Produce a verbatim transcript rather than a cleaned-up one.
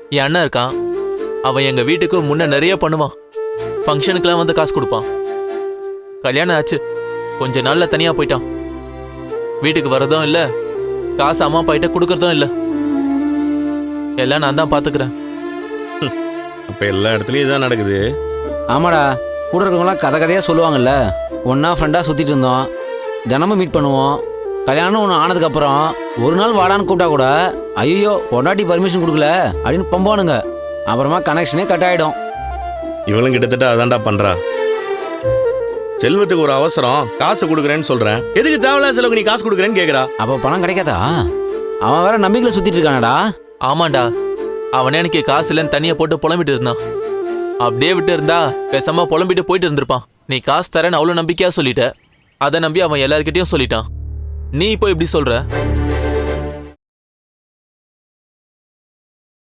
என் அண்ணன் இருக்கான், அவன் எங்க வீட்டுக்கு முன்ன நிறைய பண்ணுவான். ஃபங்க்ஷனுக்குலாம் வந்து காசு கொடுப்பான். கல்யாணம் ஆச்சு, கொஞ்ச நாள்ல தனியா போயிட்டான். வீட்டுக்கு வர்றதும் இல்ல, காசு அம்மா அப்பா கிட்ட கொடுக்கறதும் இல்ல. எல்லாம் நான் தான் பாத்துக்கிறேன். அப்ப எல்லா இடத்துலயும் இதான் நடக்குது. ஆமாடா, கூட இருக்கவங்களாம் கதை கதையாக சொல்லுவாங்கல்ல. ஒன்றா ஃப்ரெண்டாக சுற்றிட்டு இருந்தோம், தினமும் மீட் பண்ணுவோம். கல்யாணம் ஒன்று ஆனதுக்கப்புறம் ஒரு நாள் வாடான்னு கூப்பிட்டா கூட ஐயோ பொண்டாட்டி பர்மிஷன் கொடுக்கல அப்படின்னு பம்பானுங்க. அப்புறமா கனெக்ஷனே கட் ஆகிடும். இவளும் கிட்டத்தட்ட அதான்டா பண்றா. செல்வத்துக்கு ஒரு அவசரம், காசு கொடுக்குறேன்னு சொல்றேன், எதுக்கு தேவையில்லாத செலவுக்கு நீ காசு கொடுக்குறேன்னு கேட்குறா. அப்போ பணம் கிடைக்காதா? அவன் வேற நம்பிக்கையில் சுற்றிட்டு இருக்கானடா. ஆமாண்டா, அவனே எனக்கு காசு இல்லைன்னு தனியா போட்டு புலம்பிட்டு இருந்தான். அப்படியே விட்டு இருந்தா பேசாம புலம்பிட்டு போயிட்டு இருந்திருப்பான். நீ காசு தரேன்னு அவ்வளோ நம்பிக்கையா சொல்லிட்ட, அதை நம்பி அவன் எல்லார்கிட்டயும் சொல்லிட்டான். நீ இப்போ இப்படி சொல்ற?